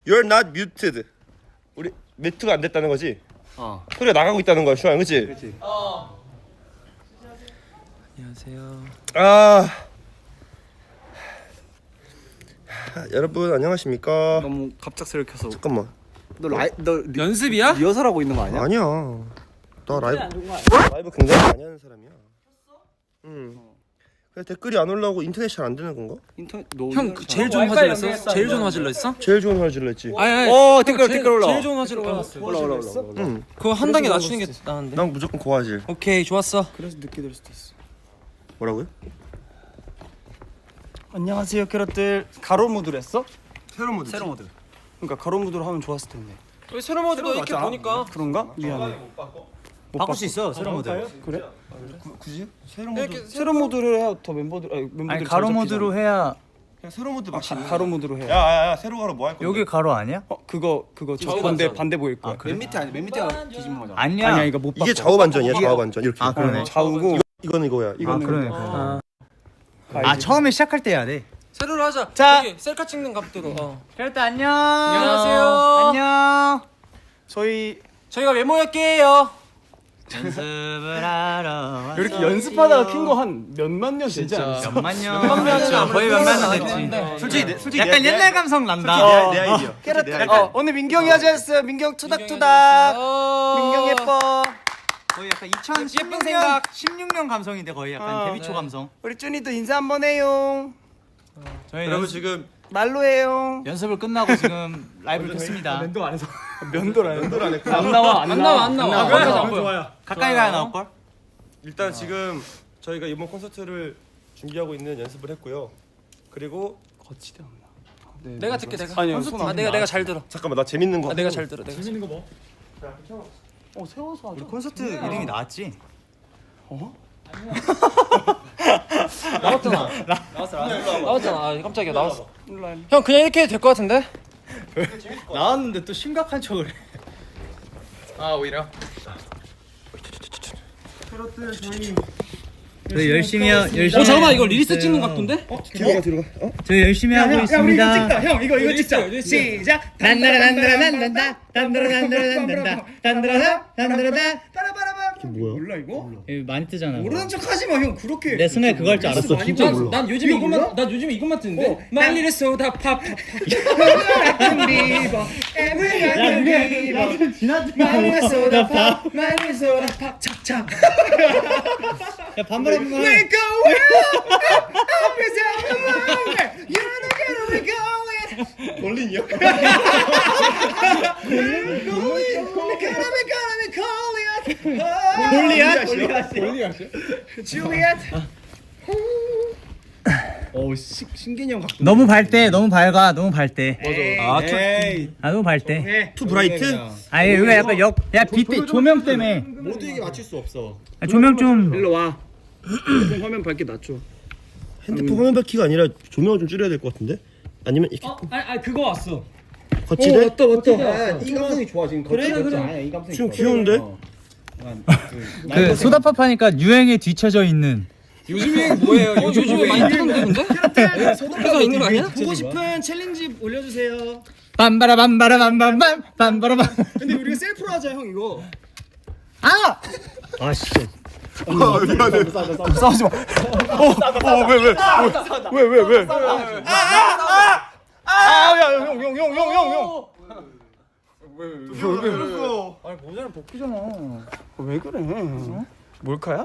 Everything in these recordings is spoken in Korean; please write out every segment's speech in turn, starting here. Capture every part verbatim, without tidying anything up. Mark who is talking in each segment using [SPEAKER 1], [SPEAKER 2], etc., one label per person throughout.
[SPEAKER 1] You're not muted. 우리 뮤트가 안 됐다는 거지?
[SPEAKER 2] 어.
[SPEAKER 1] 소리가 나가고 있다는 거야, 슈아, 그렇지?
[SPEAKER 2] 그렇지.
[SPEAKER 3] 어. 안녕하세요.
[SPEAKER 1] 아, 여러분 안녕하십니까?
[SPEAKER 2] 너무 갑작스럽게 켜서.
[SPEAKER 1] 잠깐만.
[SPEAKER 2] 너 라이 너 리,
[SPEAKER 3] 연습이야?
[SPEAKER 2] 리허설하고 있는 거 아니야?
[SPEAKER 1] 아니야. 나 라이브 라이브 굉장히 많이 하는 사람이야. 응. 그래 댓글이 안 올라오고 인터넷 잘 안 되는 건가?
[SPEAKER 2] 인터넷 너
[SPEAKER 3] 형 그 제일 좋은 화질로 했어? 제일 좋은 화질로 했어?
[SPEAKER 1] 제일 좋은 화질로 했지.
[SPEAKER 3] 아니 아니.
[SPEAKER 2] 어, 댓글,
[SPEAKER 3] 제일-
[SPEAKER 2] 댓글 올라와.
[SPEAKER 3] 제일 좋은 화질로 올라왔어.
[SPEAKER 2] 올라 올라 올라.
[SPEAKER 1] 응.
[SPEAKER 3] 그거 한 단계 낮추는 게 나은데.
[SPEAKER 1] 난 무조건 고화질.
[SPEAKER 3] 오케이 좋았어.
[SPEAKER 2] 그래서 늦게 될 수도 있어.
[SPEAKER 1] 뭐라고요?
[SPEAKER 2] 안녕하세요 캐럿들. 가로 무드로 했어?
[SPEAKER 1] 새로 모드.
[SPEAKER 2] 세로 무드. 그러니까 가로 무드로 하면 좋았을 텐데.
[SPEAKER 3] 왜 새로 모드로 이렇게 보니까
[SPEAKER 2] 그런가? 미안해.
[SPEAKER 4] 바꿀 수 있어 세로 모드.
[SPEAKER 2] 그래?
[SPEAKER 1] 굳이? 새로 모드.
[SPEAKER 3] 이렇게
[SPEAKER 2] 세로 무드로 해야 더 멤버들 아니 멤버들
[SPEAKER 4] 아니 가로 모드로 해야
[SPEAKER 1] 그냥 새로 모드 막.
[SPEAKER 2] 가, 가로 무드로 해.
[SPEAKER 1] 야야야 새로 가로 뭐 할 건데?
[SPEAKER 4] 여기 가로 아니야?
[SPEAKER 2] 어 그거 그거 저
[SPEAKER 3] 좌우
[SPEAKER 2] 반대
[SPEAKER 3] 반전.
[SPEAKER 2] 반대 보일 거야.
[SPEAKER 4] 그래?
[SPEAKER 2] 맨 밑에 아니 맨 밑에가 뒤집은 거잖아.
[SPEAKER 4] 아니야.
[SPEAKER 2] 아니야 이거 못 바꿔.
[SPEAKER 1] 이게 좌우 반전이야, 좌우 반전 이렇게.
[SPEAKER 4] 아 그러네.
[SPEAKER 2] 좌우고
[SPEAKER 1] 이거는 이거야.
[SPEAKER 4] 아
[SPEAKER 1] 이거는
[SPEAKER 4] 그러네.
[SPEAKER 3] 아,
[SPEAKER 4] 그러네. 아 처음에 시작할 때 해야 돼.
[SPEAKER 3] 세로로 하자.
[SPEAKER 4] 자.
[SPEAKER 3] 저기 셀카 찍는 각도로. 어.
[SPEAKER 4] 캐럿들 안녕.
[SPEAKER 3] 안녕하세요.
[SPEAKER 4] 안녕.
[SPEAKER 2] 저희
[SPEAKER 3] 저희가 왜 모였게요?
[SPEAKER 4] 연습을 하러
[SPEAKER 2] 이렇게 연습하다가 킨 거 한 몇만 년 되지
[SPEAKER 3] 진짜.
[SPEAKER 2] 않았어?
[SPEAKER 4] 몇만 년.
[SPEAKER 3] 몇만 년은
[SPEAKER 4] 그렇죠.
[SPEAKER 3] 아무래도
[SPEAKER 4] 거의 몇만 년
[SPEAKER 3] 그런데.
[SPEAKER 4] 됐지.
[SPEAKER 1] 솔직히 내, 솔직히
[SPEAKER 4] 약간
[SPEAKER 1] 내,
[SPEAKER 4] 옛날 감성 난다.
[SPEAKER 1] 내, 내 아이디어. 솔직히 내 아이디어.
[SPEAKER 2] 어 오늘 민경이 하자였어. 민경 투닥투닥. 민경 예뻐.
[SPEAKER 4] 거의 약간
[SPEAKER 3] 예쁜
[SPEAKER 4] 이천십육 년
[SPEAKER 3] 생각.
[SPEAKER 4] 십육 년 감성인데 거의 약간
[SPEAKER 2] 어,
[SPEAKER 4] 데뷔 초
[SPEAKER 3] 네.
[SPEAKER 4] 감성.
[SPEAKER 2] 우리 쭈니도 인사 한번 해요.
[SPEAKER 4] 저희
[SPEAKER 1] 여러분
[SPEAKER 4] 연습,
[SPEAKER 1] 지금
[SPEAKER 2] 말로 해요.
[SPEAKER 4] 연습을 끝나고 지금 라이브를 켰습니다.
[SPEAKER 2] 면도 안 해서. 면도를 안
[SPEAKER 1] 면도를 안 했구나.
[SPEAKER 2] 안 나와
[SPEAKER 3] 안 나와 안 나와.
[SPEAKER 4] 나와.
[SPEAKER 3] 그래서 안 보여.
[SPEAKER 4] 가까이 가야 나올 걸?
[SPEAKER 1] 일단 지금 저희가 이번 콘서트를 준비하고 있는 연습을 했고요. 그리고
[SPEAKER 2] 거치대 없나? 네,
[SPEAKER 3] 내가
[SPEAKER 2] 네,
[SPEAKER 3] 듣게
[SPEAKER 2] 네.
[SPEAKER 3] 내가.
[SPEAKER 2] 아니요 손
[SPEAKER 3] 아
[SPEAKER 2] 안.
[SPEAKER 3] 내가 내가 잘 들어.
[SPEAKER 1] 잠깐만 나 재밌는 거.
[SPEAKER 3] 아 내가 잘 들어. 내가.
[SPEAKER 4] 재밌는 거 뭐?
[SPEAKER 2] 어 세워서 하자.
[SPEAKER 4] 우리 콘서트 이름이 나왔지?
[SPEAKER 2] 어?
[SPEAKER 3] 나왔잖아. 나왔어 나왔잖아. 아 깜짝이야 나왔어.
[SPEAKER 2] 일로 와.
[SPEAKER 3] 형 그냥 이렇게 해도 될 것 같은데?
[SPEAKER 4] 나왔는데 또 심각한 척을 해.
[SPEAKER 3] 아 오히려.
[SPEAKER 4] 저희 열심히 하, 열심히
[SPEAKER 3] 어 잠깐만 이거
[SPEAKER 4] 하고
[SPEAKER 3] 리스트
[SPEAKER 4] 있어요.
[SPEAKER 3] 찍는 각도인데?
[SPEAKER 1] 뒤로 가 뒤로 가. 어?
[SPEAKER 4] 저희 열심히 하고 있습니다.
[SPEAKER 2] 형 이거 이거 찍자.
[SPEAKER 4] 시작. 단다라 단다라 단단다 단다라 단다라 단단다 단다라 단다라
[SPEAKER 2] 빠라바라밤.
[SPEAKER 1] 뭐야?
[SPEAKER 2] 몰라 이거?
[SPEAKER 4] 많이 뜨잖아.
[SPEAKER 2] 모르는 척 하지 마 형. 그렇게.
[SPEAKER 4] 내 순간에 그거 할 줄 알았어.
[SPEAKER 2] 많이
[SPEAKER 4] 진짜
[SPEAKER 3] 난,
[SPEAKER 4] 몰라.
[SPEAKER 3] 난 요즘
[SPEAKER 2] 이거
[SPEAKER 3] 이것만
[SPEAKER 2] 몰라?
[SPEAKER 3] 난 요즘 이것만 듣는데.
[SPEAKER 2] 어.
[SPEAKER 3] 말리를 쏘다 팝.
[SPEAKER 2] 리버 에브리바디 리버
[SPEAKER 4] 지나지
[SPEAKER 2] 마늘 소다 팝 마늘 소다 팝 찹찹.
[SPEAKER 4] 야 반말 한번
[SPEAKER 2] We
[SPEAKER 4] 해.
[SPEAKER 2] go well up is everywhere you're not gonna be going
[SPEAKER 1] 볼린이요?
[SPEAKER 2] going gonna be gonna be calling
[SPEAKER 4] 골리앗?
[SPEAKER 2] 골리앗 줄리엣
[SPEAKER 4] 오 신개념 갖고. 너무 밝대. 너무 밝아. 너무 밝대.
[SPEAKER 1] 아, 투,
[SPEAKER 4] 아 너무 밝대.
[SPEAKER 1] 투 브라이트?
[SPEAKER 4] 아니 여기가 약간 역. 야 빛 조명 때문에.
[SPEAKER 1] 모두에게 맞출 수 없어.
[SPEAKER 4] 아, 조명 좀.
[SPEAKER 2] 일로 와 핸드폰 화면 밝게 낮춰
[SPEAKER 1] 핸드폰 화면 밝기가 아니라 조명을 좀 줄여야 될 것 같은데? 아니면 이렇게
[SPEAKER 3] 어, 아니, 아니 그거 왔어.
[SPEAKER 1] 거치대?
[SPEAKER 2] 맞다 맞다
[SPEAKER 4] 이 감성이 좋아 지금.
[SPEAKER 2] 그래 그래
[SPEAKER 4] 아니야 이 감성이.
[SPEAKER 1] 지금 귀여운데?
[SPEAKER 4] 그 소다팝하니까 유행에 뒤쳐져 있는.
[SPEAKER 3] 요즘 유행 뭐예요? 요즘 유행 많이 뜨는데 근데? 그래서 있는 거 아니야?
[SPEAKER 2] 보고 싶은 챌린지 올려주세요
[SPEAKER 4] 빰바라 빰바라 빰빰빰 빰바라 빰.
[SPEAKER 2] 근데 우리가 셀프로 하자 형 이거
[SPEAKER 4] 아! 아 씨.
[SPEAKER 1] 아 미안해.
[SPEAKER 2] 싸우지 마 어왜왜왜왜왜 왜? 아야형형형형형형
[SPEAKER 1] 그랬어.
[SPEAKER 2] 아니 모자는 벗기잖아 왜 그래 몰카야?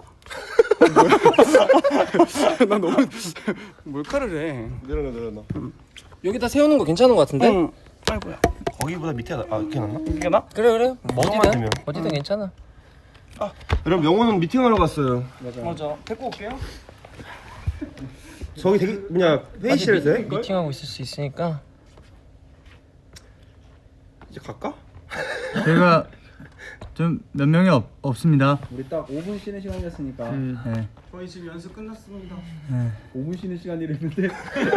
[SPEAKER 2] 나 너무 몰카를 해
[SPEAKER 1] 내려놔 내려놔.
[SPEAKER 3] 여기다 세우는 거 괜찮은 거 같은데?
[SPEAKER 2] 응. 아이고야
[SPEAKER 1] 거기보다 밑에 나- 아 이렇게 놨나?
[SPEAKER 2] 이게 나?
[SPEAKER 3] 그래 그래.
[SPEAKER 1] 뭐만
[SPEAKER 3] 어디든
[SPEAKER 1] 되면.
[SPEAKER 3] 어디든 괜찮아.
[SPEAKER 1] 여러분 영호는 미팅하러 갔어요.
[SPEAKER 2] 맞아 데리고 올게요
[SPEAKER 1] 저기 되게 그냥 회의실에서 해?
[SPEAKER 3] 미팅하고 있을 수 있으니까.
[SPEAKER 1] 이제 갈까?
[SPEAKER 4] 제가 좀 몇 명이 없, 없습니다.
[SPEAKER 5] 우리 딱 오 분 쉬는 시간이었으니까
[SPEAKER 4] 네.
[SPEAKER 2] 저희 지금 연습 끝났습니다
[SPEAKER 5] 오 분 쉬는 시간이랬는데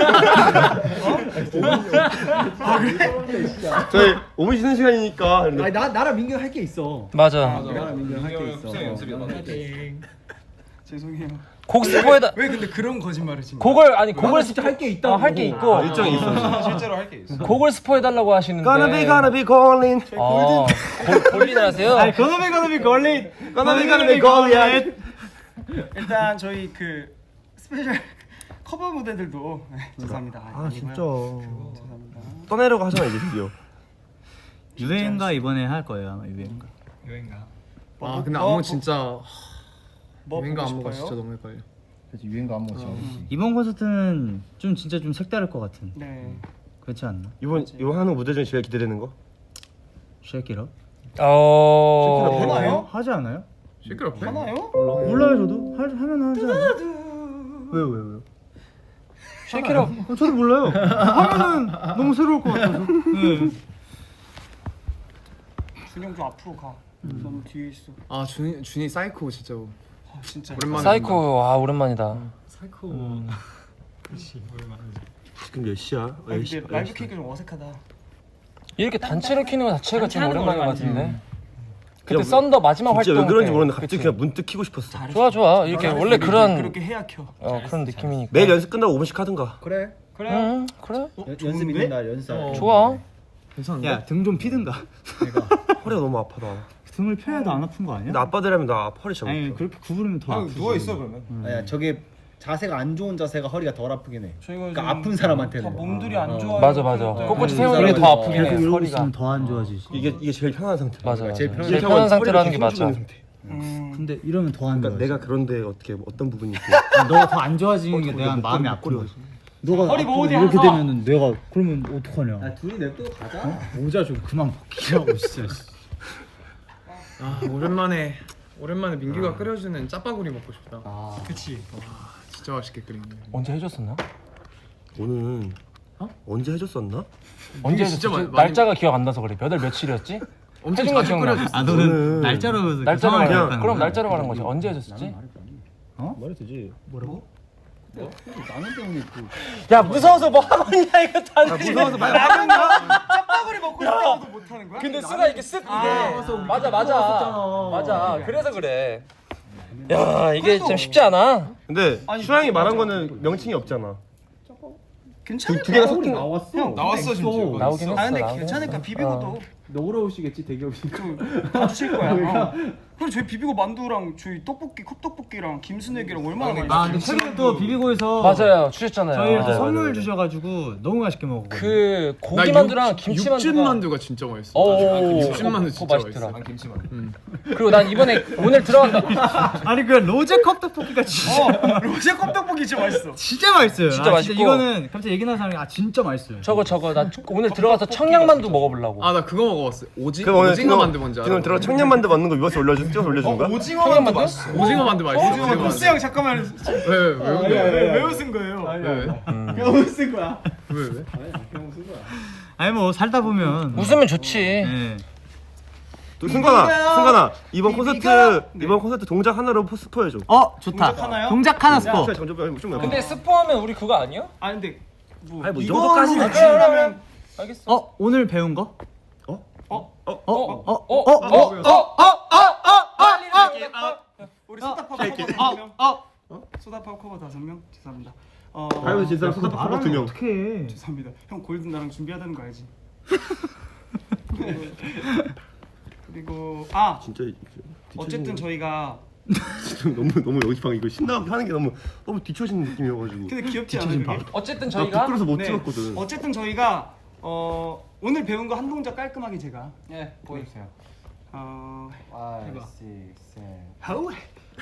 [SPEAKER 1] 저희 오 분 쉬는 시간이니까. 근데
[SPEAKER 5] 아니 나 나랑 민규 할 게 있어
[SPEAKER 3] 맞아.
[SPEAKER 5] 나랑 민규 할 게 있어
[SPEAKER 2] 죄송해요
[SPEAKER 3] 곡 스포에다
[SPEAKER 2] 왜 근데 그런 거짓말을 지금?
[SPEAKER 3] 곡을 아니 곡을
[SPEAKER 5] 진짜 할 게 있다고.
[SPEAKER 3] 할 게 있고
[SPEAKER 1] 아, 일정이 있어.
[SPEAKER 2] 실제로 할 게 있어.
[SPEAKER 3] 곡을 스포해달라고 하시는데.
[SPEAKER 1] Gonna be gonna be calling.
[SPEAKER 3] 아, 골- 골린을 하세요?
[SPEAKER 4] 아니 거놈이 거놈이 걸린.
[SPEAKER 1] Gonna be gonna be calling.
[SPEAKER 2] 일단 저희 그 스페셜 커버 무대들도 죄송합니다.
[SPEAKER 1] 아 진짜.
[SPEAKER 2] 죄송합니다.
[SPEAKER 1] 떠내려고 하잖아 이제 드디어.
[SPEAKER 4] 유행가 이번에 할 거예요 아마 유행가.
[SPEAKER 2] 여행가.
[SPEAKER 6] 아 근데
[SPEAKER 2] 뭐,
[SPEAKER 6] 안무 진짜
[SPEAKER 2] 뭐
[SPEAKER 6] 유행가
[SPEAKER 2] 보고
[SPEAKER 6] 안무가
[SPEAKER 2] 싶어요?
[SPEAKER 6] 진짜 너무 헷갈려.
[SPEAKER 5] 그래서 유행가 안무 진짜 어렵지.
[SPEAKER 4] 이번 콘서트는 좀 진짜 좀 색다를 것 같은.
[SPEAKER 2] 네.
[SPEAKER 4] 그렇지 않나?
[SPEAKER 1] 이번 이번 하는 무대 중에 제일 기대되는 거?
[SPEAKER 4] 쉐키러?
[SPEAKER 3] 어.
[SPEAKER 2] 하나요?
[SPEAKER 4] 하지 않아요?
[SPEAKER 6] 시끄럽대.
[SPEAKER 2] 하나요?
[SPEAKER 4] 몰라요 저도. 할 하면 하지 않아요? 왜요 왜요 왜요?
[SPEAKER 3] 쉐이키로.
[SPEAKER 4] 어, 저도 몰라요. 하면은 너무 새로울 것 같아서. 네.
[SPEAKER 2] 준영 좀 앞으로 가. 너무 뒤에 있어.
[SPEAKER 6] 아 준이 준이 사이코 진짜
[SPEAKER 2] 아 진짜.
[SPEAKER 6] 오랜만에.
[SPEAKER 3] 사이코 아 오랜만이다.
[SPEAKER 6] 사이코.
[SPEAKER 1] 지금 몇 시야? 어,
[SPEAKER 2] 아,
[SPEAKER 1] 열 시-
[SPEAKER 2] 근데
[SPEAKER 1] 열
[SPEAKER 2] 라이브
[SPEAKER 1] 시.
[SPEAKER 2] 케이크 좀 어색하다.
[SPEAKER 3] 이렇게 단체로 키는 거 자체가 좀
[SPEAKER 2] 단체 하는
[SPEAKER 3] 오랜만인 것
[SPEAKER 2] 거
[SPEAKER 3] 같은데. 그때
[SPEAKER 1] 그냥
[SPEAKER 3] 썬더 마지막 활동.
[SPEAKER 1] 진짜 왜 그런지
[SPEAKER 3] 때.
[SPEAKER 1] 모르는데 갑자기
[SPEAKER 3] 그치?
[SPEAKER 1] 그냥 문득 키고 싶었어.
[SPEAKER 3] 좋아 좋아 이렇게 원래 그런
[SPEAKER 2] 그렇게 해야 켜.
[SPEAKER 3] 어 그런 느낌이니까.
[SPEAKER 1] 매일 연습 끝나고 오 분씩 하든가.
[SPEAKER 5] 그래.
[SPEAKER 2] 그래.
[SPEAKER 3] 응 그래
[SPEAKER 5] 연습 있는 날 연습.
[SPEAKER 3] 좋아.
[SPEAKER 6] 괜찮은데?
[SPEAKER 4] 야 등 좀 피든가.
[SPEAKER 1] 허리가 너무 아파다.
[SPEAKER 4] 등을 펴야도 안 아픈 거 아니야?
[SPEAKER 1] 근데 아빠들하면 나 허리 진짜
[SPEAKER 4] 아니
[SPEAKER 1] 못 펴.
[SPEAKER 4] 그렇게 구부리면 더 아프지.
[SPEAKER 2] 누워 있어 그러면.
[SPEAKER 5] 아야 저게 자세가 안 좋은 자세가 허리가 덜 아프긴 해.
[SPEAKER 2] 저희가
[SPEAKER 5] 그러니까
[SPEAKER 2] 요즘
[SPEAKER 5] 아픈 사람한테는.
[SPEAKER 2] 다 몸들이 안 좋아요.
[SPEAKER 3] 맞아 맞아.
[SPEAKER 2] 그럴 때.
[SPEAKER 3] 꼿꼿이
[SPEAKER 5] 음,
[SPEAKER 3] 세우는 게 더
[SPEAKER 5] 사람이
[SPEAKER 3] 아프긴 해.
[SPEAKER 4] 계속 이러고
[SPEAKER 3] 허리가.
[SPEAKER 4] 있으면 더 안 좋아지지.
[SPEAKER 1] 이게 이게 제일 편한 상태.
[SPEAKER 3] 맞아 맞아.
[SPEAKER 5] 제일
[SPEAKER 3] 제일
[SPEAKER 5] 편한
[SPEAKER 3] 편한,
[SPEAKER 1] 하고
[SPEAKER 3] 상태로 하는 게
[SPEAKER 1] 허리가
[SPEAKER 3] 맞아.
[SPEAKER 1] 힘주는 상태.
[SPEAKER 2] 음.
[SPEAKER 4] 근데 이러면 더 안 좋아.
[SPEAKER 1] 그러니까 내가 그런데 어떻게 어떤 부분이 있고.
[SPEAKER 4] 너가 더 안 좋아지는 게 내가
[SPEAKER 1] 목걸이,
[SPEAKER 4] 마음이
[SPEAKER 1] 목걸이
[SPEAKER 4] 아픈 거지. 너가
[SPEAKER 2] 허리
[SPEAKER 4] 아프고
[SPEAKER 2] 모으디
[SPEAKER 4] 이렇게
[SPEAKER 2] 하나
[SPEAKER 4] 되면은 내가 그러면 어떡하냐?
[SPEAKER 5] 야 둘이 냅두고 가자.
[SPEAKER 4] 어? 모자 좀 그만 벗기라고 진짜.
[SPEAKER 6] 아 오랜만에 오랜만에 민규가 끓여주는 짜파구리 먹고 싶다.
[SPEAKER 5] 아.
[SPEAKER 2] 그치.
[SPEAKER 6] 진짜 맛있게 끓이는데.
[SPEAKER 3] 언제 해줬었나?
[SPEAKER 1] 오늘
[SPEAKER 6] 어?
[SPEAKER 1] 언제 해줬었나?
[SPEAKER 3] 언제
[SPEAKER 6] 진짜
[SPEAKER 3] 해줬었지?
[SPEAKER 6] 많이-
[SPEAKER 3] 날짜가 기억 안 나서 그래. 몇 월 며칠이었지?
[SPEAKER 6] 엄청
[SPEAKER 3] 해준 거
[SPEAKER 6] 자주
[SPEAKER 3] 기억나.
[SPEAKER 6] 끓여줬어.
[SPEAKER 4] 아 너는
[SPEAKER 1] 저는
[SPEAKER 4] 날짜로 그래서
[SPEAKER 3] 날짜로
[SPEAKER 4] 상황을
[SPEAKER 3] 말해.
[SPEAKER 4] 기억하는
[SPEAKER 3] 그럼
[SPEAKER 4] 거야?
[SPEAKER 3] 날짜로 말한 거지. 언제 해줬었지?
[SPEAKER 1] 말해도 되지.
[SPEAKER 5] 나는 때문에 그
[SPEAKER 3] 야 무서워서 뭐 하고 있냐 이거 다.
[SPEAKER 1] 무서워서 말.
[SPEAKER 2] 짜파구리 먹고 싶다고도 못 하는 거야?
[SPEAKER 3] 근데 수가 이렇게 쓱 이게 맞아 맞아 맞아. 그래서 그래. 야 이게 참 쉽지 않아.
[SPEAKER 1] 근데 슈양이 말한 거는 명칭이 없잖아.
[SPEAKER 2] 괜찮을
[SPEAKER 1] 두 개가
[SPEAKER 2] 거야.
[SPEAKER 1] 섞인
[SPEAKER 5] 나왔어.
[SPEAKER 2] 나왔어 심지어.
[SPEAKER 3] 나오긴 했어.
[SPEAKER 2] 아 근데
[SPEAKER 3] 나오긴
[SPEAKER 2] 괜찮으니까
[SPEAKER 3] 했어.
[SPEAKER 2] 비비고도
[SPEAKER 5] 너그러우시겠지 대기업이니까.
[SPEAKER 2] 봐주실 거야. 어. 그리고 저희 비비고 만두랑 저희 떡볶이 컵떡볶이랑 김순애기랑 얼마나 많이
[SPEAKER 4] 아 근데 최근에 또 비비고에서
[SPEAKER 3] 맞아요 주셨잖아요.
[SPEAKER 4] 저희 이렇게
[SPEAKER 1] 맞아요,
[SPEAKER 4] 선물
[SPEAKER 1] 맞아요.
[SPEAKER 4] 주셔가지고 너무 맛있게 먹었거든요.
[SPEAKER 3] 그
[SPEAKER 6] 나
[SPEAKER 3] 고기 만두랑
[SPEAKER 6] 육-
[SPEAKER 3] 김치
[SPEAKER 6] 육즙
[SPEAKER 3] 만두가
[SPEAKER 6] 만두가 진짜 맛있어.
[SPEAKER 3] 오,
[SPEAKER 6] 육즙 만두
[SPEAKER 3] 그거
[SPEAKER 6] 진짜
[SPEAKER 3] 맛있더라.
[SPEAKER 6] 맛있어.
[SPEAKER 5] 김치만.
[SPEAKER 3] 그리고 난 이번에 오늘 들어간다.
[SPEAKER 4] 아니 그 로제 컵떡볶이가 진짜
[SPEAKER 2] 로제 컵떡볶이 진짜 맛있어.
[SPEAKER 4] 진짜 맛있어요.
[SPEAKER 3] 진짜
[SPEAKER 4] 아,
[SPEAKER 3] 맛있고.
[SPEAKER 4] 이거는 갑자기 얘기 나는 사람이 아 진짜 맛있어요.
[SPEAKER 3] 저거 저거 나 오늘 들어가서 청양만두 먹어보려고.
[SPEAKER 6] 아 나 그거 먹어봤어. 오지
[SPEAKER 1] 그럼 오늘
[SPEAKER 6] 오징어 만두 뭔지 알아?
[SPEAKER 1] 지금 들어 청년만두 맞는 거 위버스 올려주 찍어서 올려준 거야?
[SPEAKER 2] 오징어
[SPEAKER 3] 청양
[SPEAKER 2] 만두
[SPEAKER 3] 만두?
[SPEAKER 2] 맛있어.
[SPEAKER 6] 오징어 만두 맛있어.
[SPEAKER 2] 오징어 만두. 보스 형 잠깐만.
[SPEAKER 6] 왜왜 왜? 왜?
[SPEAKER 2] 왜, 왜 웃은 거예요?
[SPEAKER 6] 왜? 왜?
[SPEAKER 5] 그냥 쓴 거야.
[SPEAKER 6] 왜? 왜?
[SPEAKER 5] 그냥 쓴 거야.
[SPEAKER 4] 아니 뭐 살다 보면
[SPEAKER 3] 웃으면 좋지.
[SPEAKER 4] 네.
[SPEAKER 1] 또 승관아, 승관아 이번
[SPEAKER 2] 비비가?
[SPEAKER 1] 콘서트
[SPEAKER 2] 네.
[SPEAKER 1] 이번 콘서트 동작 하나로 포- 스포해줘.
[SPEAKER 4] 어 좋다.
[SPEAKER 2] 동작 하나요?
[SPEAKER 4] 동작 하나 스포.
[SPEAKER 1] 슈양 점점 좀 좀.
[SPEAKER 3] 근데 스포하면 우리 그거 아니야?
[SPEAKER 2] 아 근데 뭐
[SPEAKER 1] 아니, 뭐 이
[SPEAKER 2] 이걸로
[SPEAKER 1] 정도까지는
[SPEAKER 2] 맞추려면
[SPEAKER 3] 알겠어.
[SPEAKER 4] 어 오늘 배운 거?
[SPEAKER 1] 어?
[SPEAKER 2] 어?
[SPEAKER 4] 어? 어? 어? 어?
[SPEAKER 3] 어?
[SPEAKER 2] 우리 소다팝 커버 다섯 명. 어? 소다팝 커버 다섯 명. 죄송합니다. 어.
[SPEAKER 1] 가위바위보 진 사람 소다 파고 두 명.
[SPEAKER 4] 어떡해.
[SPEAKER 2] 죄송합니다. 형 골든 나랑 준비하다는 거 알지? 그리고 아
[SPEAKER 1] 진짜
[SPEAKER 2] 어쨌든 저희가
[SPEAKER 1] 지금 너무 너무 여기 방 이거 신나게 하는 게 너무 너무 뒤처진 느낌이어가지고.
[SPEAKER 2] 근데 귀엽지 않아요? 그게?
[SPEAKER 3] 어쨌든
[SPEAKER 1] 나
[SPEAKER 3] 저희가
[SPEAKER 1] 부끄러서 못
[SPEAKER 2] 네.
[SPEAKER 1] 찍었거든.
[SPEAKER 2] 어쨌든 저희가 어 오늘 배운 거 한 동작 깔끔하게 제가
[SPEAKER 3] 예 보여주세요.
[SPEAKER 2] 어
[SPEAKER 5] five, six, seven.
[SPEAKER 2] 하우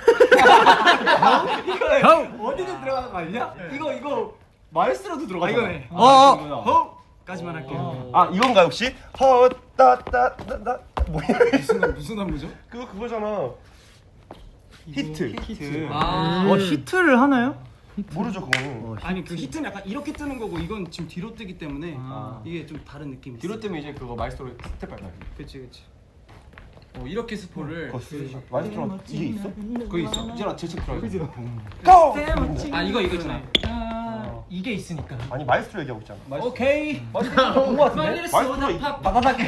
[SPEAKER 5] 이거 어디든 들어가는 거 아니냐? 이거 이거 마이스로도
[SPEAKER 2] 아
[SPEAKER 5] 들어가.
[SPEAKER 2] 이거네.
[SPEAKER 4] 어, 어.
[SPEAKER 2] 허까지만 할게요.
[SPEAKER 1] 아 이건가 혹시? 허따따따따 뭐야?
[SPEAKER 2] 무슨 무슨 안무죠?
[SPEAKER 1] 그거 그거잖아. 히트.
[SPEAKER 2] 히트.
[SPEAKER 3] 아.
[SPEAKER 4] 어 히트를 하나요?
[SPEAKER 1] 모르죠 그거는.
[SPEAKER 2] 아니 그 히트는 약간 이렇게 뜨는 거고 이건 지금 뒤로 뜨기 때문에
[SPEAKER 3] 아.
[SPEAKER 2] 이게 좀 다른 느낌이
[SPEAKER 5] 뒤로
[SPEAKER 2] 있어요.
[SPEAKER 5] 뜨면 이제 그거 마이스로 스텝 밟아요.
[SPEAKER 2] 그치 그치. 어 이렇게 스포를
[SPEAKER 1] 마이스트로 이게 있어?
[SPEAKER 5] 그거 있어. 이제라 제책 들어요.
[SPEAKER 2] 아 이거 이거 있잖아. 아, 이게 있으니까.
[SPEAKER 1] 아니 마이스트로 얘기하고 있잖아.
[SPEAKER 2] 오케이.
[SPEAKER 5] 본거 같은데?
[SPEAKER 1] 마이스트로 이-
[SPEAKER 5] 다다닥.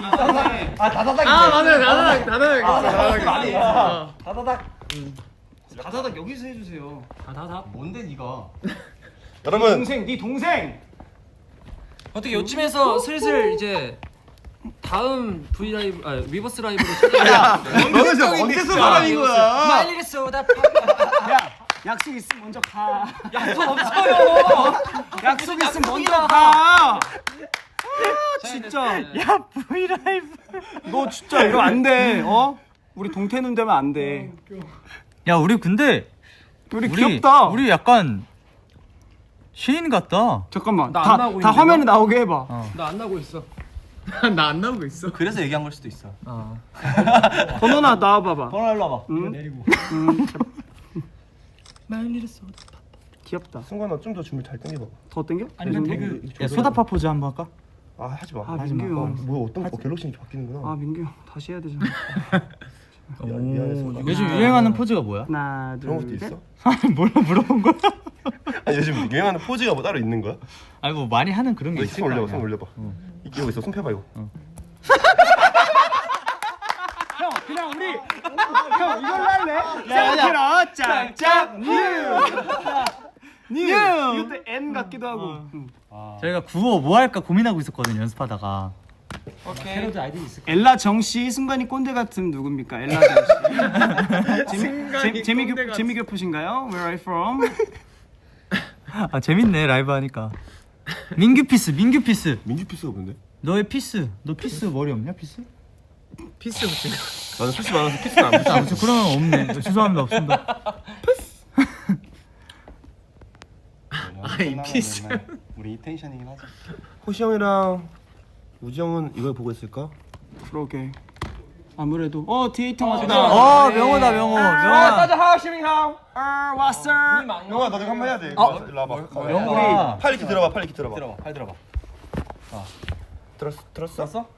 [SPEAKER 5] 아 다다닥.
[SPEAKER 6] 아 맞아요. 나나 나나 나나
[SPEAKER 5] 아니.
[SPEAKER 6] 나나.
[SPEAKER 5] 다다닥.
[SPEAKER 2] 다다닥 여기서 해주세요.
[SPEAKER 5] 다다닥.
[SPEAKER 2] 뭔데 네가?
[SPEAKER 1] 여러분
[SPEAKER 2] 동생, 네 동생.
[SPEAKER 3] 어떻게 요쯤에서 슬슬 이제 다음 V 라이브 아 위버스 라이브로 시작.
[SPEAKER 1] 너는 진짜 언제서 사람인 거야?
[SPEAKER 3] 말리를 쏟아.
[SPEAKER 2] 야, 약속 있으면 먼저 가.
[SPEAKER 3] 약속 없어요.
[SPEAKER 2] 약속 있으면 먼저 가. 진짜.
[SPEAKER 3] 야 V 라이브.
[SPEAKER 2] 너 진짜 이거 안 돼. 어? 우리 동태눈 되면 안 돼.
[SPEAKER 4] 야 우리 근데
[SPEAKER 2] 우리, 귀엽다.
[SPEAKER 4] 우리 약간 시인 같다.
[SPEAKER 2] 잠깐만.
[SPEAKER 3] 나안
[SPEAKER 2] 다,
[SPEAKER 3] 나오고
[SPEAKER 2] 다
[SPEAKER 3] 있는데,
[SPEAKER 2] 화면에 나오게 해봐.
[SPEAKER 3] 나 안 나고 있어.
[SPEAKER 6] 나 안 나오고 있어.
[SPEAKER 5] 그래서 얘기한 걸 수도 있어.
[SPEAKER 2] 번호나 나와봐봐.
[SPEAKER 5] 번호 일로 와봐.
[SPEAKER 2] 응?
[SPEAKER 5] 내리고.
[SPEAKER 2] 응.
[SPEAKER 3] 말리를 쏟아.
[SPEAKER 2] 귀엽다.
[SPEAKER 1] 승관아 좀 더 준비 잘 당겨봐.
[SPEAKER 2] 더 땡겨?
[SPEAKER 4] 아니면
[SPEAKER 2] 이 정도?
[SPEAKER 4] 태그
[SPEAKER 1] 이
[SPEAKER 4] 야
[SPEAKER 1] 정도?
[SPEAKER 4] 소다파 포즈 한번 할까?
[SPEAKER 1] 아 하지 마.
[SPEAKER 2] 아
[SPEAKER 1] 하지 마.
[SPEAKER 2] 민규
[SPEAKER 1] 어,
[SPEAKER 2] 형.
[SPEAKER 1] 뭐 어떤 거 갤럭시 이렇게 바뀌는구나.
[SPEAKER 2] 아 민규 형 다시 해야 되잖아.
[SPEAKER 1] 미- 미안해 승관아.
[SPEAKER 4] 요즘 유행하는 포즈가 뭐야?
[SPEAKER 2] 하나
[SPEAKER 1] 그런 것도
[SPEAKER 2] 둘 셋.
[SPEAKER 1] 있어?
[SPEAKER 4] 아니 몰라 물어본 거야.
[SPEAKER 1] 아니 요즘 유행하는 포즈가 뭐 따로 있는 거야?
[SPEAKER 4] 아니 뭐 많이 하는 그런 게
[SPEAKER 1] 너
[SPEAKER 4] 있을
[SPEAKER 1] 손
[SPEAKER 4] 거
[SPEAKER 1] 올려봐.
[SPEAKER 4] 아니야.
[SPEAKER 1] 손 올려봐. 이거 있어. 손 펴봐 이거.
[SPEAKER 2] 형 그냥 우리 형 이걸로 할래? 생각해라 짝짝 뉴. 뉴. 이것도 N 같기도 하고. 응.
[SPEAKER 4] 저희가 구호 뭐 할까 고민하고 있었거든요 연습하다가.
[SPEAKER 3] 오케이.
[SPEAKER 2] 엘라 정씨 순간이 꼰대 같은 누굽니까? 엘라 정씨. 재미 재미 교 재미 교포신가요? Where are you from?
[SPEAKER 4] 아 재밌네 라이브 하니까. 민규 피스 민규 피스.
[SPEAKER 1] 민규 피스가 뭔데?
[SPEAKER 4] 너의 피스. 너 피스 머리 없냐 피스?
[SPEAKER 6] 피스 붙인 거.
[SPEAKER 1] 나는 피스 많아서 피스는 안 붙여.
[SPEAKER 4] 아, 저 그런 건 없네. 죄송합니다 없습니다.
[SPEAKER 6] 아이 피스.
[SPEAKER 5] 우리 이 텐션이긴 하지.
[SPEAKER 1] 호시 형이랑 우지 형은 이걸 보고 있을까?
[SPEAKER 2] 그러게. 아무래도 어 디에이터
[SPEAKER 3] 아,
[SPEAKER 2] 맞다.
[SPEAKER 4] 어 명호다 명호 명호야.
[SPEAKER 3] 하시밍 형.
[SPEAKER 2] 어 왔어.
[SPEAKER 1] 형아 너도 한번 해야 돼.
[SPEAKER 2] 어?
[SPEAKER 1] 일로 와봐.
[SPEAKER 4] 명호야.
[SPEAKER 1] 팔 이렇게 들어봐. 팔 이렇게 들어봐.
[SPEAKER 5] 들어봐. 팔 들어봐.
[SPEAKER 1] 들었어? 들었어?
[SPEAKER 5] 들었어?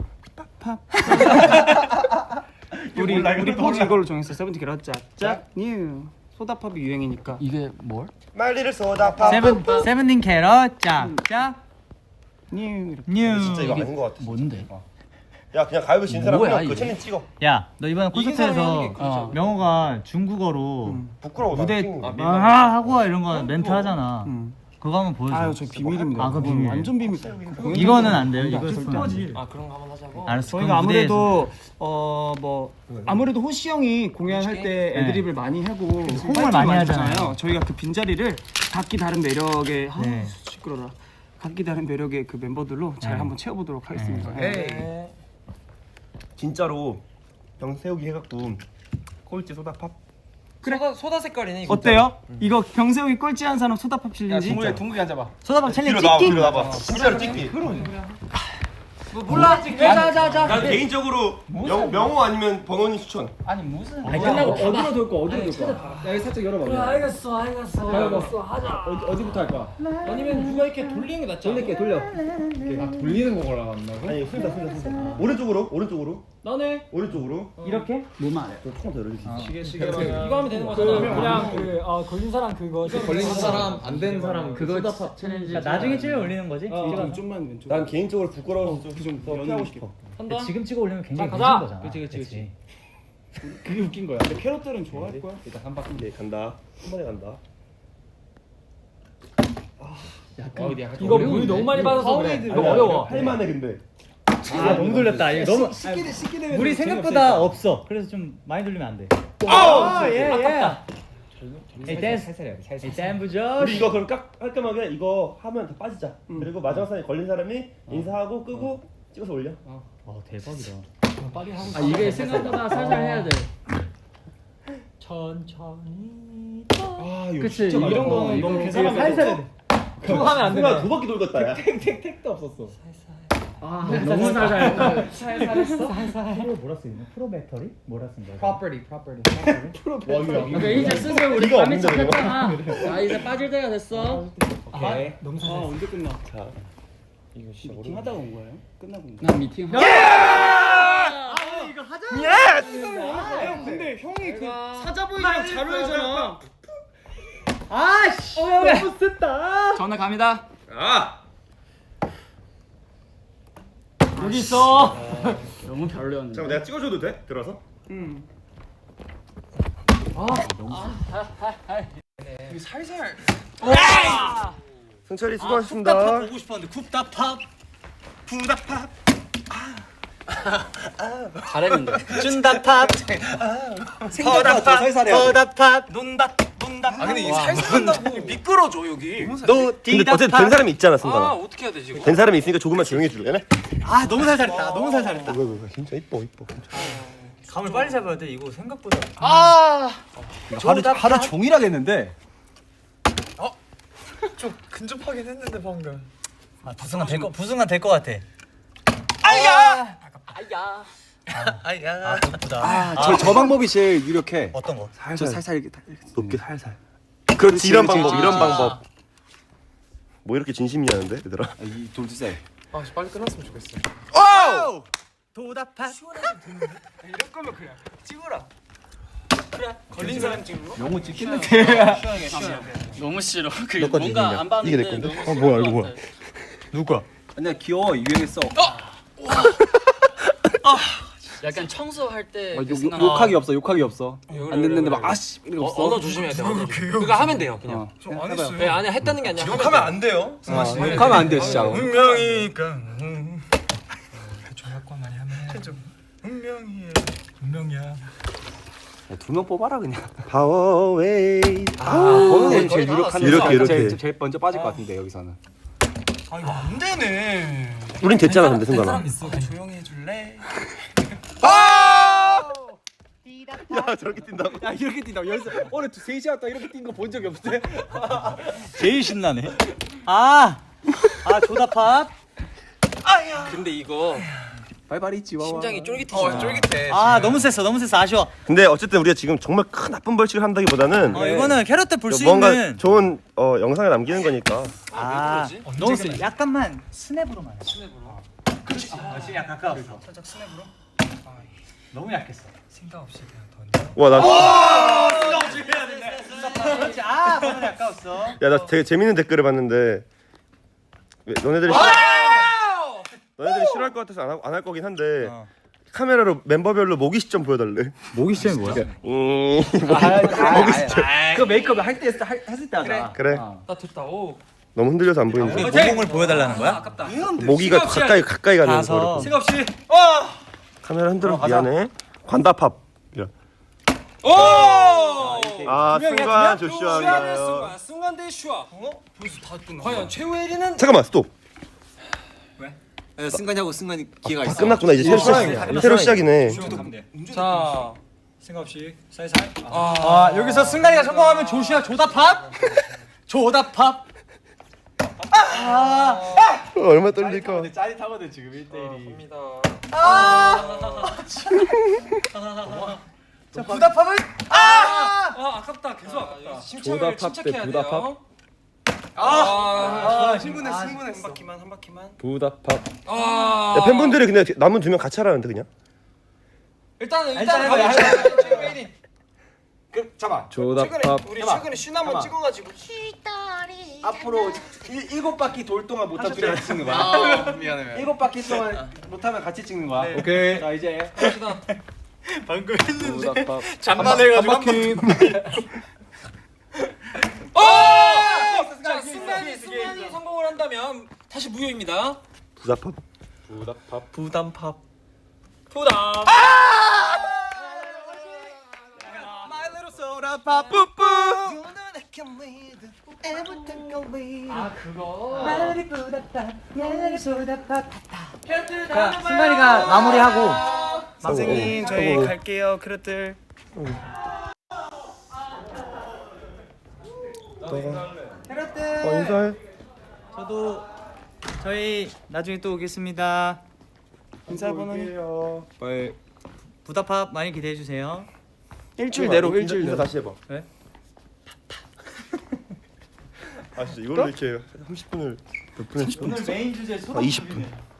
[SPEAKER 2] 우리
[SPEAKER 1] 몰라,
[SPEAKER 2] 우리
[SPEAKER 1] 이거
[SPEAKER 2] 포즈
[SPEAKER 1] 몰라.
[SPEAKER 2] 이걸로 정했어. 세븐틴 게라 짝짝 뉴. 소다팝이 유행이니까.
[SPEAKER 3] 이게 뭘?
[SPEAKER 1] 말리를 쏟아파.
[SPEAKER 4] 세븐 세븐틴 캐럿 짝짝
[SPEAKER 2] 뉴. 이렇게.
[SPEAKER 4] 뉴.
[SPEAKER 1] 진짜 이거 아닌 것 같아.
[SPEAKER 3] 뭔데?
[SPEAKER 1] 야 그냥 가위바위보 진 사람
[SPEAKER 3] 뭐야,
[SPEAKER 1] 그냥 그
[SPEAKER 3] 이게?
[SPEAKER 1] 챌린지 찍어.
[SPEAKER 4] 야, 너 이번에
[SPEAKER 3] 이긴 사람이 하는
[SPEAKER 4] 콘서트에서
[SPEAKER 3] 게 그거죠.
[SPEAKER 4] 어, 명호가 중국어로
[SPEAKER 1] 부끄러워. 나
[SPEAKER 4] 무대
[SPEAKER 1] 찍는 거.
[SPEAKER 4] 아 하고 이런 거 멘트 하잖아.
[SPEAKER 2] 음.
[SPEAKER 4] 그거 한번 보여줘.
[SPEAKER 2] 아유 저 비밀입니다.
[SPEAKER 4] 아, 그건
[SPEAKER 2] 그건
[SPEAKER 4] 비밀.
[SPEAKER 2] 완전 비밀. 공연
[SPEAKER 4] 이거는 안 돼요. 이거
[SPEAKER 2] 절대
[SPEAKER 4] 있으면 안 돼.
[SPEAKER 3] 아 그런 거 한번 하자고.
[SPEAKER 4] 알았어.
[SPEAKER 2] 저희가
[SPEAKER 4] 그럼 무대에서.
[SPEAKER 2] 아무래도 어 뭐 아무래도 호시 형이 공연할 때
[SPEAKER 4] 네.
[SPEAKER 2] 애드립을 많이 하고
[SPEAKER 4] 호응을 많이 하잖아요.
[SPEAKER 2] 저희가 그 빈자리를 각기 다른 매력의 아,
[SPEAKER 4] 네.
[SPEAKER 2] 시끄러라. 각기 다른 매력의 그 멤버들로 잘
[SPEAKER 4] 네.
[SPEAKER 2] 한번 채워보도록 하겠습니다.
[SPEAKER 3] 네.
[SPEAKER 1] 진짜로 병 세우기 해갖고 꼴찌 소다팝.
[SPEAKER 3] 소다 소다 색깔이네 이거.
[SPEAKER 2] 어때요? 이거 병세웅이 꼴찌한 사람 소다팝
[SPEAKER 3] 야
[SPEAKER 2] 챌린지.
[SPEAKER 3] 둥글게 둥글게 앉아봐.
[SPEAKER 4] 소다방
[SPEAKER 1] 뒤로
[SPEAKER 4] 챌린지
[SPEAKER 1] 나와.
[SPEAKER 4] 찍기.
[SPEAKER 1] 뒤로 나와. 진짜로 찍기.
[SPEAKER 3] 뭐 몰라. 자자자.
[SPEAKER 1] 난 개인적으로 명, 명호 아니면 번원이 추천.
[SPEAKER 3] 아니 무슨.
[SPEAKER 6] 아니 끝나고 어디로 돌 거 어디로 돌 거야? 야 여기 살짝 열어봐.
[SPEAKER 3] 그래 알겠어 알겠어. 알겠어 하자.
[SPEAKER 6] 어디 어디부터 할 거야?
[SPEAKER 3] 아니면 누가 이렇게 돌리는 게 낫지 않아?
[SPEAKER 6] 돌릴게 돌려. 아 돌리는 거 걸어간다고?
[SPEAKER 1] 아니 순다 순다 순다. 오른쪽으로 오른쪽으로
[SPEAKER 3] 너네
[SPEAKER 1] 오른쪽으로.
[SPEAKER 2] 이렇게? 뭐만 해.
[SPEAKER 1] 조금 더 열어줄 수 있어.
[SPEAKER 6] 시계 시계
[SPEAKER 3] 이거 하면 되는 거잖아.
[SPEAKER 7] 그냥 그 어, 걸린 사람 그거
[SPEAKER 6] 걸리는 사람 안 되는 사람 그거
[SPEAKER 7] 소다팝 챌린지
[SPEAKER 4] 나중에 찍어 올리는 거지?
[SPEAKER 2] 좀 좀만 왼쪽.
[SPEAKER 1] 난 개인적으로 부끄러워서 좀,
[SPEAKER 2] 좀
[SPEAKER 1] 더 피하고 싶어.
[SPEAKER 3] 한다.
[SPEAKER 4] 지금 찍어 올리면 굉장히
[SPEAKER 7] 자,
[SPEAKER 4] 늦은
[SPEAKER 7] 가자.
[SPEAKER 4] 거잖아.
[SPEAKER 3] 그치, 그치, 그치.
[SPEAKER 2] 그게 웃긴 거야. 근데 캐럿들은 좋아할 거야.
[SPEAKER 1] 일단 한 바퀴 네, 간다. 한 번에 간다.
[SPEAKER 7] 이거 물이 너무 많이 받아서 그래 이거 어려워
[SPEAKER 1] 할만해 근데.
[SPEAKER 4] 아 너무 돌렸다. 이거 너무
[SPEAKER 2] 식기대 식기대.
[SPEAKER 4] 물이 생각보다 없어. 그래서 좀 많이 돌리면 안 돼.
[SPEAKER 1] 아!
[SPEAKER 4] 예 예. 에이 댄스 살살해. 살살. 댄부죠.
[SPEAKER 1] 우리 이거 그럼 깍 깔끔하게 이거 하면 다 빠지자. 그리고 마지막 사람이 걸린 사람이 인사하고 끄고 찍어서 올려.
[SPEAKER 4] 어 대박이다.
[SPEAKER 7] 아 이게 생각보다 살살 해야 돼 천천히
[SPEAKER 1] 아 이거
[SPEAKER 7] 그치
[SPEAKER 1] 진짜
[SPEAKER 2] 이런
[SPEAKER 1] 많다.
[SPEAKER 2] 거는 너무
[SPEAKER 7] 이게
[SPEAKER 2] 계산하면
[SPEAKER 7] 살살 해야 돼 그거 하면 안
[SPEAKER 1] 순간
[SPEAKER 7] 돼.
[SPEAKER 1] 두 바퀴 돌겠다 야.
[SPEAKER 2] 택택도 없었어.
[SPEAKER 7] 아 너무 살살했다
[SPEAKER 4] 살살했어? 살살. 프로 뭐라 쓰이냐? 프로 배터리? 뭐라 쓴 거야?
[SPEAKER 7] property property
[SPEAKER 1] 와 이거
[SPEAKER 7] 그러니까 이제 슬슬 우리
[SPEAKER 1] 이거
[SPEAKER 7] 밤이
[SPEAKER 1] 없는데, 이거?
[SPEAKER 7] 잡혔잖아 자 이제 빠질 때가 됐어
[SPEAKER 2] 오케이. 너무 아 언제 끝나?
[SPEAKER 1] 자 이거 진짜
[SPEAKER 2] 미팅 하다가 온 거예요? 끝나고 온 거예요?
[SPEAKER 7] 난 미팅
[SPEAKER 2] 형 근데 형이 그 사자보이랑 잘 어울리잖아.
[SPEAKER 7] 아씨 너무 셌다
[SPEAKER 3] 전화 갑니다.
[SPEAKER 1] 아
[SPEAKER 7] 여기 있어
[SPEAKER 2] 너무 별로였는데.
[SPEAKER 1] 잠깐 내가 찍어줘도 돼? 들어서?
[SPEAKER 2] 응.
[SPEAKER 6] 살살.
[SPEAKER 1] 승철이 수고하셨습니다.
[SPEAKER 4] 보고 싶었는데 굽다팝. 부다팝.
[SPEAKER 3] 잘했는데.
[SPEAKER 4] 준다팝.
[SPEAKER 5] 생각보다 더 살살해.
[SPEAKER 4] 허다팝. 논다. 논다.
[SPEAKER 6] 아 근데 이 살살한다고 미끄러져 여기.
[SPEAKER 4] 노
[SPEAKER 1] 근데
[SPEAKER 4] 디다팝.
[SPEAKER 1] 어쨌든 된 사람이 있잖아,
[SPEAKER 3] 아
[SPEAKER 1] 승관아.
[SPEAKER 3] 어떻게 해야 되지 이거?
[SPEAKER 1] 된 사람이 있으니까 조금만 조용히 해줄래?
[SPEAKER 4] 아 너무 살살했다. 너무 살살했다.
[SPEAKER 1] 이거 이거 진짜 이뻐 이뻐.
[SPEAKER 4] 감을 빨리 잡아야 돼. 이거 생각보다.
[SPEAKER 3] 아
[SPEAKER 5] 하루 하루 종일 하겠는데.
[SPEAKER 6] 좀 근접하긴 했는데 방금.
[SPEAKER 4] 아 부승한 될거 부승한 될거 같아.
[SPEAKER 3] 아야.
[SPEAKER 4] 아야. 아 예쁘다.
[SPEAKER 5] 아, 저, 저 방법이 제일 유력해.
[SPEAKER 4] 어떤 거?
[SPEAKER 5] 저 살살 이렇게 딱
[SPEAKER 1] 높게 살살. 그렇지 이런 방법
[SPEAKER 4] 그렇지.
[SPEAKER 1] 이런
[SPEAKER 4] 아.
[SPEAKER 1] 방법. 뭐 이렇게 진심이냐는데 얘들아.
[SPEAKER 5] 아, 이 돌주세.
[SPEAKER 6] 아 빨리 끝났으면 좋겠어.
[SPEAKER 1] 오!
[SPEAKER 4] 도다팝.
[SPEAKER 6] 이럴 거면 그냥 찍어라. 걸린 사람 찍는 거?
[SPEAKER 5] 영우 찍겠는데.
[SPEAKER 7] 너무 싫어. 그
[SPEAKER 1] 너 건지
[SPEAKER 7] 뭔가
[SPEAKER 1] 이게.
[SPEAKER 7] 안 봤는데
[SPEAKER 1] 이게 내 건데?
[SPEAKER 7] 너무
[SPEAKER 1] 어, 뭐야,
[SPEAKER 7] 싫은
[SPEAKER 1] 이거
[SPEAKER 7] 것
[SPEAKER 1] 뭐야.
[SPEAKER 7] 같아.
[SPEAKER 5] 누가? 아니야 귀여워 유행했어.
[SPEAKER 7] 약간 청소할 때
[SPEAKER 5] 아,
[SPEAKER 7] 그
[SPEAKER 5] 욕,
[SPEAKER 7] 생각-
[SPEAKER 5] 욕하기 없어 욕하기 없어.
[SPEAKER 3] 그래,
[SPEAKER 5] 안 됐는데
[SPEAKER 3] 그래,
[SPEAKER 5] 막
[SPEAKER 3] 그래.
[SPEAKER 5] 아씨 이런 거
[SPEAKER 3] 어,
[SPEAKER 5] 없어.
[SPEAKER 3] 언어 조심해야 돼. 언어 조심. 그거 하면 돼요 그냥.
[SPEAKER 5] 어.
[SPEAKER 6] 저안 했어요.
[SPEAKER 3] 네, 아니 했다는 게 아니라 하면
[SPEAKER 6] 욕하면
[SPEAKER 3] 돼요.
[SPEAKER 6] 안 돼요. 승아 씨.
[SPEAKER 5] 욕하면 안 돼 진짜.
[SPEAKER 6] 운명이니까. 조약권 많이 하면. 운명이야. 운명이야.
[SPEAKER 5] 두 명 뽑아라 그냥.
[SPEAKER 1] 파워웨이.
[SPEAKER 5] 아, 거는
[SPEAKER 3] 거의
[SPEAKER 5] 제일
[SPEAKER 3] 다
[SPEAKER 5] 유력한.
[SPEAKER 1] 이렇게,
[SPEAKER 5] 사람.
[SPEAKER 1] 이렇게.
[SPEAKER 5] 제일, 제일 먼저 빠질 것 같은데 여기서는.
[SPEAKER 6] 아 이거 안 되네.
[SPEAKER 1] 우린 됐잖아 근데 승관아.
[SPEAKER 6] 있어. 조용히 해줄래?
[SPEAKER 1] 야 저렇게 뛴다고.
[SPEAKER 5] 야 이렇게 뛴다. 여기서 오늘 세 시간 동안 이렇게 뛴 거 본 적이 없대.
[SPEAKER 4] 제일 신나네. 아. 아 조다팝.
[SPEAKER 3] 근데 이거
[SPEAKER 5] 발발이 지와와.
[SPEAKER 3] 심장이 쫄깃해.
[SPEAKER 6] 어 쫄깃해.
[SPEAKER 4] 아 너무 셌어. 너무 셌어. 아쉬워.
[SPEAKER 1] 근데 어쨌든 우리가 지금 정말 큰 나쁜 벌칙을 한다기보다는
[SPEAKER 4] 어 이거는 캐럿 때 볼 수
[SPEAKER 1] 뭔가
[SPEAKER 4] 있는.
[SPEAKER 1] 좋은 어, 영상을 남기는 거니까.
[SPEAKER 4] 아
[SPEAKER 3] 그러지?
[SPEAKER 4] 너무 세. 약간만 스냅으로만.
[SPEAKER 3] 스냅으로.
[SPEAKER 4] 그렇지. 아, 지금 약간 가까웠어.
[SPEAKER 6] 살짝 스냅으로.
[SPEAKER 4] 너무 약했어.
[SPEAKER 6] 생각 없이 그냥 던져.
[SPEAKER 1] 와 나.
[SPEAKER 4] 그렇지. 아 방금 아까웠어.
[SPEAKER 1] 야 나 되게 재밌는 댓글을 봤는데 왜, 너네들이 싫어, 너네들이 싫어할 것 같아서 안 할 거긴 한데
[SPEAKER 4] 어.
[SPEAKER 1] 카메라로 멤버별로 모기 시점 보여달래.
[SPEAKER 5] 모기 시점이 뭐야?
[SPEAKER 1] 음,
[SPEAKER 5] 그 메이크업 할 때 했을 때 하자.
[SPEAKER 1] 그래.
[SPEAKER 3] 나 됐다. 오.
[SPEAKER 1] 너무 흔들려서 안 보이는데.
[SPEAKER 4] 모공을 보여달라는 거야?
[SPEAKER 3] 아깝다.
[SPEAKER 1] 모기가 가까이 가까이 가는
[SPEAKER 4] 가서.
[SPEAKER 1] 거.
[SPEAKER 3] 생각 없이.
[SPEAKER 1] 카메라 흔들어 미안해. 관다팝. 이런.
[SPEAKER 3] 오!
[SPEAKER 1] 아 순간
[SPEAKER 3] 슈아의
[SPEAKER 1] 조슈아인가요?
[SPEAKER 3] 순간, 순간 대 슈아. 어? 벌써 다 끝나. 과연 최후의 일 위는?
[SPEAKER 1] 잠깐만 스톱.
[SPEAKER 5] 승관이하고 승관이 기회가
[SPEAKER 1] 다 끝났구나 이제 새로 시작. 새로 시작이네.
[SPEAKER 3] 자,
[SPEAKER 4] 생각 없이 살살.
[SPEAKER 3] 아,
[SPEAKER 4] 아 여기서 승관이가 성공하면 조슈아 조다팝. 조다팝.
[SPEAKER 1] 어, 얼마 떨릴까?
[SPEAKER 5] 짜릿하거든 지금 일 대 일이.
[SPEAKER 3] 갑니다.
[SPEAKER 4] 자 부다팝은
[SPEAKER 3] 아, 아깝다. 계속 아깝다. 침착을
[SPEAKER 5] 조다팝 대
[SPEAKER 3] 침착해야
[SPEAKER 5] 부다팝?
[SPEAKER 3] 돼요. 아,
[SPEAKER 6] 아 승분했어 승분했어. 한 바퀴만 한 바퀴만.
[SPEAKER 5] 부다팝.
[SPEAKER 3] 아.
[SPEAKER 1] 야, 팬분들이 근데 남은 두 명 같이 하라는데 그냥.
[SPEAKER 3] 일단은
[SPEAKER 4] 일단
[SPEAKER 3] 일단
[SPEAKER 4] 해봐,
[SPEAKER 3] 가보자. 최후의 일 위.
[SPEAKER 6] 그 잠깐.
[SPEAKER 5] 조다팝.
[SPEAKER 6] 최근에 우리 최근에 슌 한번 찍어가지고
[SPEAKER 5] 앞으로 일, 일곱 바퀴 돌 동안 못하면 둘이 같이 찍는 거야.
[SPEAKER 6] 미안해.
[SPEAKER 5] 일곱 바퀴 동안 못하면 같이 찍는 거야.
[SPEAKER 6] 네.
[SPEAKER 5] 오케이. 자 이제
[SPEAKER 3] 갑시다.
[SPEAKER 4] 방금 했는데
[SPEAKER 5] 조다팝.
[SPEAKER 6] 장난해가지고 한
[SPEAKER 5] 바퀴.
[SPEAKER 3] 오! 자, 순간이 순간이 성공을 한다면 다시 무효입니다.
[SPEAKER 1] 부다팝.
[SPEAKER 5] 부다팝.
[SPEAKER 4] 부담팝.
[SPEAKER 3] 부담.
[SPEAKER 4] My little soda pop 뿌뿌.
[SPEAKER 3] 아, 그거.
[SPEAKER 4] 자 승관이가 마무리하고.
[SPEAKER 6] 선생님 저희 갈게요 그릇들.
[SPEAKER 4] 캐럿들.
[SPEAKER 1] 어 인사해.
[SPEAKER 4] 저도 저희 나중에 또 오겠습니다.
[SPEAKER 5] 인사 번호. 빨리.
[SPEAKER 4] 부다팝 많이 기대해 주세요.
[SPEAKER 5] 일주일 내로
[SPEAKER 1] 인사,
[SPEAKER 5] 일주일
[SPEAKER 1] 인사
[SPEAKER 5] 내로.
[SPEAKER 1] 다시 해봐.
[SPEAKER 4] 네?
[SPEAKER 1] 아 진짜 이걸로 이렇게 삼십 분을 몇 분 했지?
[SPEAKER 4] 메인 주제
[SPEAKER 1] 아 이십 분.